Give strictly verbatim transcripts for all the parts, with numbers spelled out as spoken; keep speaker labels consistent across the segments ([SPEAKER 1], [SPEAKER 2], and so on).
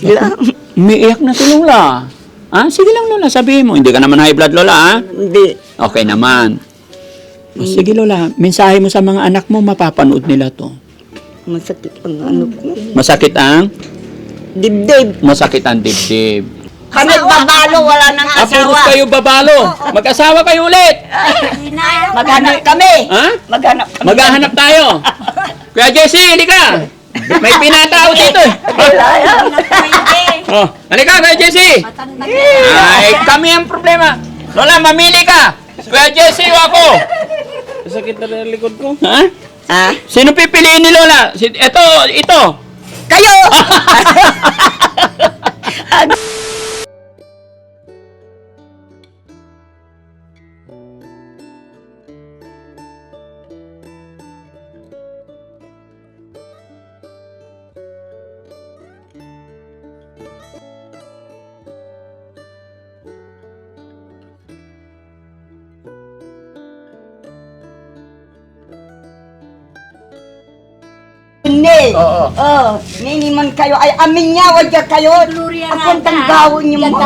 [SPEAKER 1] Sila.
[SPEAKER 2] Umiiyak na si Lola. Ah, sige lang Lola, sabihin mo. Hindi ka naman high blood Lola, ah?
[SPEAKER 1] Hindi.
[SPEAKER 2] Okay naman. O, sige Lola, mensahe mo sa mga anak mo, mapapanood nila to.
[SPEAKER 1] Masakit ang ano ko.
[SPEAKER 2] Masakit ang?
[SPEAKER 1] Dibdib.
[SPEAKER 2] Masakit ang dibdib.
[SPEAKER 1] Kami babalo, wala nang
[SPEAKER 2] Ah, puros
[SPEAKER 1] asawa.
[SPEAKER 2] kayo babalo. Mag-asawa kayo ulit.
[SPEAKER 1] Maghanap kami.
[SPEAKER 2] Ha?
[SPEAKER 1] Maghanap kami.
[SPEAKER 2] Maghahanap tayo. Kuya Jesse, halika. May pinatao dito. eh. Oh, halika Kuya Jesse. Ay, kami ang problema. Lola, mamili ka. Kuya Jesse o ako.
[SPEAKER 3] Sakit na rin ang likod ko.
[SPEAKER 2] Ha?
[SPEAKER 1] Ah?
[SPEAKER 2] Sino pipiliin ni Lola? Si, ito, ito.
[SPEAKER 1] Kayo! Hindi.
[SPEAKER 2] Oo.
[SPEAKER 1] Oh, nini man kayo. Ay, amin niya, wadya kayo. Akong tanggawin niyo mo.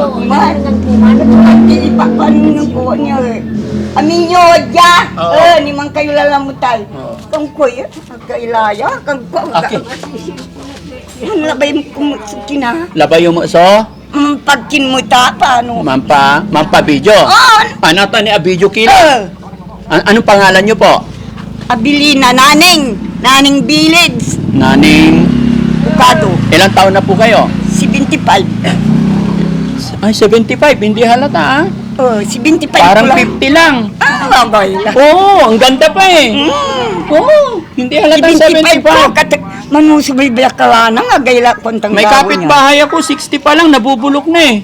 [SPEAKER 1] Hindi ipapanin ng kuha niya eh. Amin niyo, wadya.
[SPEAKER 2] Oo.
[SPEAKER 1] Eh, ni man kayo lalamutay.
[SPEAKER 2] Oo.
[SPEAKER 1] Kang kuya, kailaya, kang kuya.
[SPEAKER 2] Okay.
[SPEAKER 1] Yan labay mo kumusukin ha.
[SPEAKER 2] Labay yung so,
[SPEAKER 1] Mm, pagkin mo ta, paano?
[SPEAKER 2] mampa, mampa video.
[SPEAKER 1] On!
[SPEAKER 2] Ano to ni a video killer?
[SPEAKER 1] Eh,
[SPEAKER 2] An- anong pangalan niyo po?
[SPEAKER 1] Abilina, naning. Naning Village.
[SPEAKER 2] Naning,
[SPEAKER 1] Bukado.
[SPEAKER 2] ilang taon na po kayo?
[SPEAKER 1] seventy-five.
[SPEAKER 2] Ay, seventy-five, hindi halata ah.
[SPEAKER 1] Oh, seventy-five
[SPEAKER 2] Parang
[SPEAKER 1] ko lang.
[SPEAKER 2] fifty lang.
[SPEAKER 1] Ah, bagay lang.
[SPEAKER 2] Oo, ang ganda pa eh.
[SPEAKER 1] Mm.
[SPEAKER 2] Oo, hindi halata
[SPEAKER 1] seventy-five ko.
[SPEAKER 2] seventy-five.
[SPEAKER 1] Kat manusubay biyak ka na nga gayla kontang
[SPEAKER 2] May kapitbahay ako, sixty pa lang, nabubulok na eh.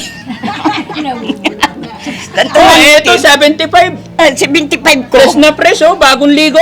[SPEAKER 1] Tanto
[SPEAKER 2] Oh, eto, seventy-five.
[SPEAKER 1] seventy-five ko.
[SPEAKER 2] Fresh na fresh oh, bagong ligo.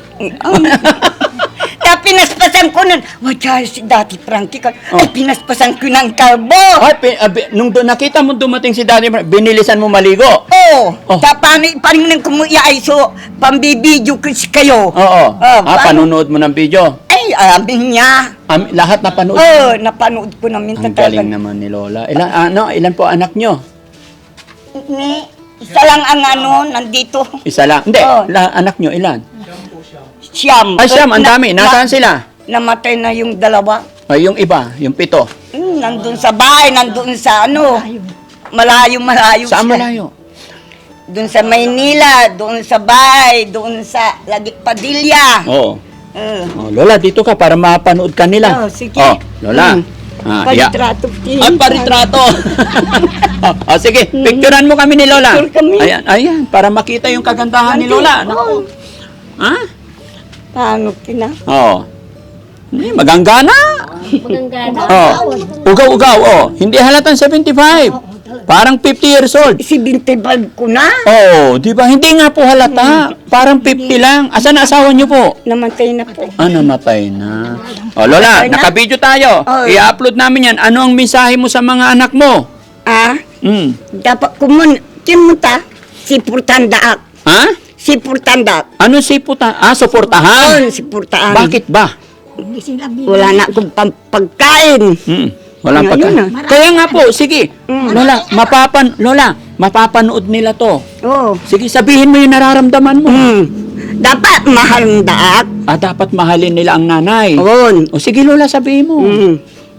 [SPEAKER 1] Na pinaspasan ko nun. Wadya si dati Frankie ka. Ay,
[SPEAKER 2] Oh.
[SPEAKER 1] pinaspasan ko ng kalbo.
[SPEAKER 2] Ay, pi- abi- nung do, nakita mo dumating si Daddy, binilisan mo maligo.
[SPEAKER 1] Oh,
[SPEAKER 2] Oh.
[SPEAKER 1] tapano iparing nang kumuya ay so pambibidyo ko si kayo.
[SPEAKER 2] Oo.
[SPEAKER 1] Ah,
[SPEAKER 2] ah,
[SPEAKER 1] paano?
[SPEAKER 2] panunood mo ng video.
[SPEAKER 1] Ay, amin niya.
[SPEAKER 2] Am- lahat na panood.
[SPEAKER 1] Oh, napanood ko namin
[SPEAKER 2] Ang
[SPEAKER 1] talaga.
[SPEAKER 2] galing naman ni Lola. Ilan, ano, ilan po anak nyo?
[SPEAKER 1] Ni, isa lang ang ano, nandito.
[SPEAKER 2] Isa lang. Hindi,
[SPEAKER 1] Oh.
[SPEAKER 2] la- anak nyo, ilan?
[SPEAKER 1] Siyam.
[SPEAKER 2] Ay, siyam, ang
[SPEAKER 1] Na-
[SPEAKER 2] dami.
[SPEAKER 1] na-
[SPEAKER 2] Nasaan sila?
[SPEAKER 1] Namatay na yung dalawa.
[SPEAKER 2] Ay, yung iba, yung pito.
[SPEAKER 1] Hmm, nandun sa bahay, nandun sa ano. Malayo, malayo.
[SPEAKER 2] Saan
[SPEAKER 1] siya.
[SPEAKER 2] malayo?
[SPEAKER 1] Doon sa Maynila, doon sa bahay, doon sa Lagit Padilla.
[SPEAKER 2] Oo.
[SPEAKER 1] Uh,
[SPEAKER 2] Oh, Lola, dito ka para mapanood ka nila.
[SPEAKER 1] Oh, sige.
[SPEAKER 2] Oh, Lola.
[SPEAKER 1] Hmm.
[SPEAKER 2] Ah, ya.
[SPEAKER 1] Palitrato.
[SPEAKER 2] Ay, paritrato. oh, oh, sige, picturean mo kami ni Lola.
[SPEAKER 1] Picture kami.
[SPEAKER 2] Ayan, ayan, para makita yung kagandahan ni Lola.
[SPEAKER 1] Oh,
[SPEAKER 2] Ha?
[SPEAKER 1] paano kina?
[SPEAKER 2] Oo. Eh, maganggana.
[SPEAKER 4] Maganggana.
[SPEAKER 2] Oh. Ugaw-ugaw, oh. Hindi halatang seventy-five. Parang fifty years old.
[SPEAKER 1] seventy-five ko na.
[SPEAKER 2] Oh, di ba? Hindi nga po halata. Parang fifty lang. Asan na asawa niyo po?
[SPEAKER 1] Namatay na po.
[SPEAKER 2] Ah, namatay na. Oh, Lola,
[SPEAKER 1] Namatay na?
[SPEAKER 2] naka-video tayo.
[SPEAKER 1] Oh.
[SPEAKER 2] I-upload namin yan. Ano ang mensahe mo sa mga anak mo?
[SPEAKER 1] Ah,
[SPEAKER 2] Hmm.
[SPEAKER 1] dapat kumun, kimunta, si Purtandaak.
[SPEAKER 2] Ha?
[SPEAKER 1] Si Purtandaak.
[SPEAKER 2] Ano si puta? Ah, suportahan.
[SPEAKER 1] Oh, si Purtaan.
[SPEAKER 2] Bakit ba?
[SPEAKER 1] Wala na akong pam- pagkain.
[SPEAKER 2] Hmm. Walang
[SPEAKER 1] Ngayon
[SPEAKER 2] pagka.
[SPEAKER 1] na.
[SPEAKER 2] Kaya nga po, sige.
[SPEAKER 1] Mm.
[SPEAKER 2] Lola, mapapan Lola, mapapanood nila to.
[SPEAKER 1] Oh.
[SPEAKER 2] Sige, sabihin mo yung nararamdaman mo.
[SPEAKER 1] Hmm. Dapat mahal ng daak.
[SPEAKER 2] Ah, dapat mahalin nila ang nanay.
[SPEAKER 1] Oo.
[SPEAKER 2] O sige Lola, sabihin mo.
[SPEAKER 1] Hmm.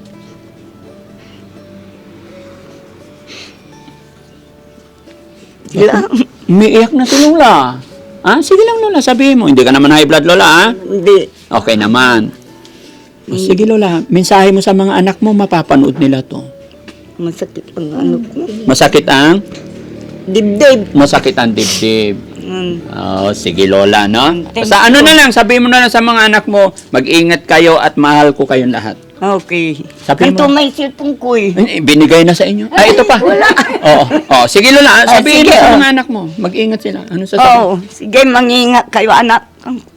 [SPEAKER 1] Sila.
[SPEAKER 2] Umiiyak na si Lola. Ah, sige lang Lola, sabihin mo. Hindi ka naman high blood Lola, ah?
[SPEAKER 1] Hindi.
[SPEAKER 2] Okay naman. O sige Lola, mensahe mo sa mga anak mo, mapapanood nila to.
[SPEAKER 1] Masakit ang ano ko.
[SPEAKER 2] Masakit ang?
[SPEAKER 1] Dibdib.
[SPEAKER 2] Masakit ang dibdib.
[SPEAKER 1] Hmm.
[SPEAKER 2] Oh, sige Lola, no?
[SPEAKER 1] Thank
[SPEAKER 2] Sa ano
[SPEAKER 1] you.
[SPEAKER 2] na lang, sabihin mo na lang sa mga anak mo, mag-ingat kayo at mahal ko kayong lahat.
[SPEAKER 1] Okay.
[SPEAKER 2] Sabihin
[SPEAKER 1] Kanto
[SPEAKER 2] mo.
[SPEAKER 1] may cellphone ko eh.
[SPEAKER 2] Ay, binigay na sa inyo. Ay, ito pa.
[SPEAKER 1] Wala.
[SPEAKER 2] Oo. Oh, sige Lola,
[SPEAKER 1] Ah,
[SPEAKER 2] sabihin
[SPEAKER 1] sige,
[SPEAKER 2] mo sa
[SPEAKER 1] oh.
[SPEAKER 2] mga anak mo. Mag-ingat sila. Ano sa
[SPEAKER 1] Oo. Sige, mangingat kayo anak.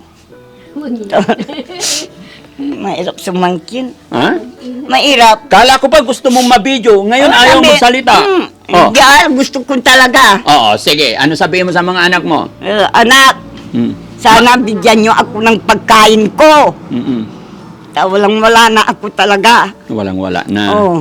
[SPEAKER 1] Mahirap sumangkin.
[SPEAKER 2] Ha?
[SPEAKER 1] Mahirap.
[SPEAKER 2] Kala ko pa gusto mong mabidyo. Ngayon
[SPEAKER 1] Oh,
[SPEAKER 2] ayaw
[SPEAKER 1] sabi,
[SPEAKER 2] magsalita.
[SPEAKER 1] Hmm,
[SPEAKER 2] Oh.
[SPEAKER 1] Hindi, ah, gusto ko talaga.
[SPEAKER 2] Oo, sige. Ano sabihin mo sa mga anak mo?
[SPEAKER 1] Eh, anak,
[SPEAKER 2] Hmm.
[SPEAKER 1] sana bigyan nyo ako ng pagkain ko.
[SPEAKER 2] Mm-mm.
[SPEAKER 1] Ta, walang wala na ako talaga.
[SPEAKER 2] Walang-wala na.
[SPEAKER 1] Oh.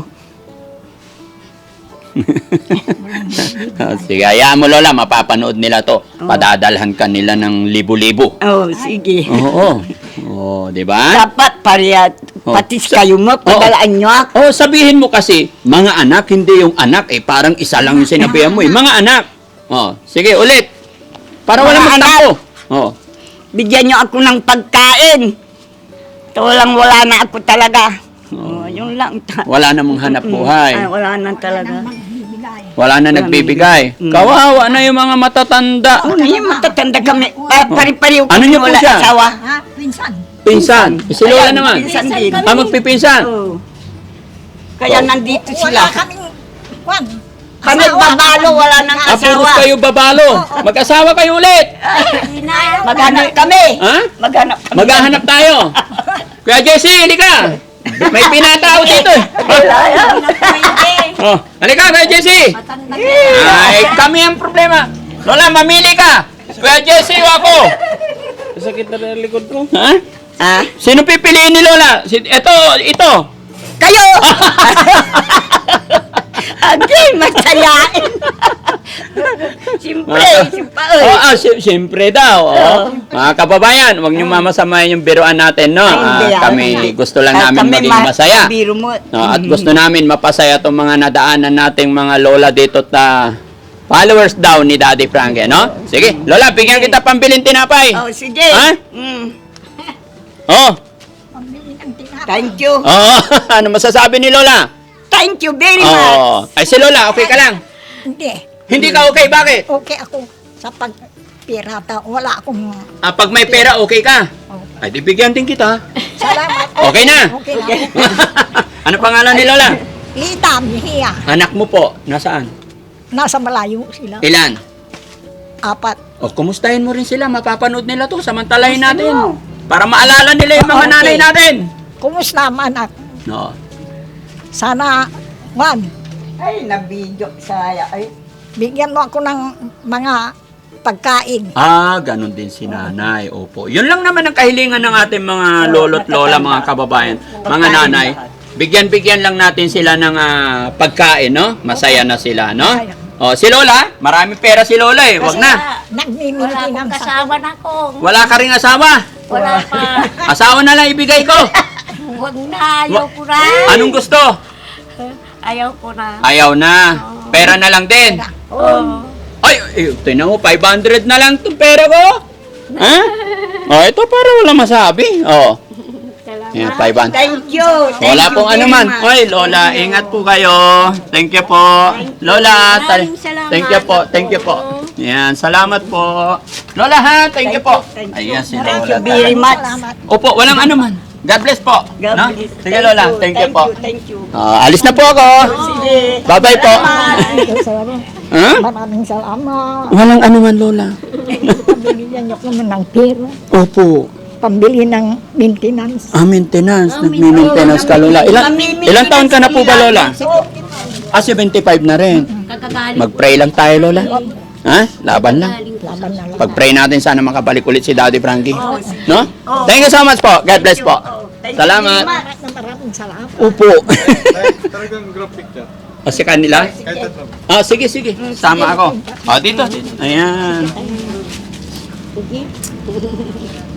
[SPEAKER 2] Ah, sige, hayaan mo Lola, mapapanood nila to. Padadalhan ka nila ng libo-libo.
[SPEAKER 1] Oh, sige.
[SPEAKER 2] Oo. Oo, di ba?
[SPEAKER 1] Dapat pareha,
[SPEAKER 2] Oh.
[SPEAKER 1] patis kayo mo, padalaan nyo ako.
[SPEAKER 2] Oh, sabihin mo kasi, mga anak, hindi yung anak, eh, parang isa lang yung sinabihan mo, eh. Mga anak. Oh, sige, ulit. Para wala
[SPEAKER 1] Mga
[SPEAKER 2] magtampo. Oh.
[SPEAKER 1] Bigyan nyo ako ng pagkain. Ito walang wala na ako talaga. Oh, yun lang.
[SPEAKER 2] Wala namang hanap buhay.
[SPEAKER 1] Ay, wala na talaga.
[SPEAKER 2] Wala na nagbibigay. Kawawa na yung mga matatanda.
[SPEAKER 1] Ano yung matatanda kami? Ah, pari-pariw
[SPEAKER 2] Ano niyo po
[SPEAKER 1] wala
[SPEAKER 2] siya?
[SPEAKER 1] asawa.
[SPEAKER 4] Ha? Pinsan.
[SPEAKER 2] Pinsan. Si Lola
[SPEAKER 1] Ayan,
[SPEAKER 2] naman.
[SPEAKER 1] Pinsan din.
[SPEAKER 2] Ah, magpipinsan.
[SPEAKER 1] Oh. Kaya nandito
[SPEAKER 4] Wala
[SPEAKER 1] sila.
[SPEAKER 4] kaming, kwan.
[SPEAKER 1] Kami babalo, wala nang
[SPEAKER 2] Ah, puros
[SPEAKER 1] asawa.
[SPEAKER 2] kayo babalo. Mag-asawa kayo ulit.
[SPEAKER 1] Maghanap kami.
[SPEAKER 2] Ha?
[SPEAKER 1] Maghanap kami.
[SPEAKER 2] Maghahanap tayo. Kuya Jesse, halika. May pinatao dito. eh. Oh, halika Kuya Jesse. Ay, kami ang problema. Lola, mamili ka. Kuya Jesse o ako.
[SPEAKER 3] Sakit na rin ang likod ko.
[SPEAKER 2] Ha?
[SPEAKER 1] Ah,
[SPEAKER 2] Sino pipiliin ni Lola? Si, ito, ito.
[SPEAKER 1] kayo! Agay, matsayain. Siyempre, siyempre.
[SPEAKER 2] Oh, ah, si- siyempre daw. Oh. Mga kababayan, huwag niyo mamasamayan yung biruan natin, no?
[SPEAKER 1] Ay,
[SPEAKER 2] Ah,
[SPEAKER 1] hindi, ah.
[SPEAKER 2] kami gusto lang
[SPEAKER 1] Ah,
[SPEAKER 2] namin
[SPEAKER 1] kami
[SPEAKER 2] maging
[SPEAKER 1] ma-
[SPEAKER 2] masaya.
[SPEAKER 1] biro mo.
[SPEAKER 2] No, at gusto namin mapasaya itong mga nadaanan nating mga lola dito ta followers daw ni Daddy Frankie, no? Sige, Lola, bigyan kita pambilin tinapay.
[SPEAKER 1] Oh, sige.
[SPEAKER 2] Ha?
[SPEAKER 1] Mm.
[SPEAKER 2] Oh,
[SPEAKER 4] Pambili ng tinapay.
[SPEAKER 1] Thank you.
[SPEAKER 2] oh, ano masasabi ni Lola?
[SPEAKER 1] Thank you very much.
[SPEAKER 2] Oh, ay si Lola, okay ka lang?
[SPEAKER 4] Hindi.
[SPEAKER 2] Hindi ka okay, bakit?
[SPEAKER 4] Okay ako sa pagpirata. Wala akong...
[SPEAKER 2] Ah, pag may pera, okay ka?
[SPEAKER 4] Oh.
[SPEAKER 2] Ay, di bigyan din kita.
[SPEAKER 4] Salamat.
[SPEAKER 2] Okay na?
[SPEAKER 4] Okay na.
[SPEAKER 2] Ano pangalan ni Lola?
[SPEAKER 4] Lita, Mihia.
[SPEAKER 2] Anak mo po, nasaan?
[SPEAKER 4] Nasa malayo sila.
[SPEAKER 2] Ilan?
[SPEAKER 4] Apat.
[SPEAKER 2] O, kumustahin mo rin sila, mapapanood nila to, samantalahin natin. Para maalala nila yung mga
[SPEAKER 1] Okay.
[SPEAKER 2] nanay natin.
[SPEAKER 4] Kumusta man ako?
[SPEAKER 2] No.
[SPEAKER 4] Sana, Juan,
[SPEAKER 1] Ay, nabidyo saya. Ay,
[SPEAKER 4] bigyan mo ako ng mga pagkain.
[SPEAKER 2] Ah, ganun din si nanay. Opo. Yun lang naman ang kahilingan ng ating mga lolo't lola, mga kababayan, mga nanay. Bigyan-bigyan lang natin sila ng ah, pagkain, no? Masaya na sila, no? O, si Lola, maraming pera si Lola eh. Wag na.
[SPEAKER 4] Nagmimili
[SPEAKER 5] Wala akong
[SPEAKER 4] ng sa...
[SPEAKER 5] kasama na ko.
[SPEAKER 2] Wala ka ring asawa.
[SPEAKER 5] Wala pa.
[SPEAKER 2] Asawa na lang ibigay ko.
[SPEAKER 5] Huwag na. Ayaw ko na.
[SPEAKER 2] Anong gusto?
[SPEAKER 5] Ayaw ko na.
[SPEAKER 2] Ayaw na. Pera na lang din.
[SPEAKER 5] Oo.
[SPEAKER 2] Ay, eh, tingnan mo, five hundred na lang itong pera ko. Ha? Oh, ito para wala masabi. Oh. Yan, five hundred.
[SPEAKER 1] thank you. Thank
[SPEAKER 2] Wala
[SPEAKER 1] you
[SPEAKER 2] pong
[SPEAKER 1] very
[SPEAKER 2] ano man.
[SPEAKER 1] much.
[SPEAKER 2] Oy, Lola, ingat po kayo. Thank you po. Lola, tal-
[SPEAKER 5] Maraming salamat.
[SPEAKER 2] thank you po. Thank you po. Yan, salamat po. Lola ha, thank you po.
[SPEAKER 1] Thank you.
[SPEAKER 2] Ayan si
[SPEAKER 1] Thank
[SPEAKER 2] Lola.
[SPEAKER 1] you very much.
[SPEAKER 4] Salamat.
[SPEAKER 2] Opo, walang ano man. God bless po.
[SPEAKER 1] God
[SPEAKER 2] No?
[SPEAKER 1] bless.
[SPEAKER 2] Sige Lola, thank you po.
[SPEAKER 1] Thank you.
[SPEAKER 2] Ah, alis na po ako.
[SPEAKER 1] Sige.
[SPEAKER 2] Bye-bye po.
[SPEAKER 4] Salamat.
[SPEAKER 2] Ha?
[SPEAKER 4] Maraming salamat.
[SPEAKER 2] Walang ano man, Lola.
[SPEAKER 4] Pambili niyo ko ng pera.
[SPEAKER 2] Opo.
[SPEAKER 4] Pambili ng maintenance.
[SPEAKER 2] Ah, maintenance. Nagmi-maintenance ka, Lola. Ilan, ilang taon ka na po ba, Lola? Ah, seventy-five na rin.
[SPEAKER 5] Kakagaling.
[SPEAKER 2] Mag-pray lang tayo, Lola. Ha? Laban lang.
[SPEAKER 4] Laban na lang.
[SPEAKER 2] Pag-pray natin, sana makabalik ulit si Daddy Frankie. No? Thank you so much po. God bless po. Salamat.
[SPEAKER 4] Maraming maraming salamat.
[SPEAKER 2] Upo.
[SPEAKER 6] Talagang group picture.
[SPEAKER 2] O si kanila?
[SPEAKER 6] Kahit tatlo.
[SPEAKER 2] Ah, sige, sige. Sama ako. O, dito. Ayan.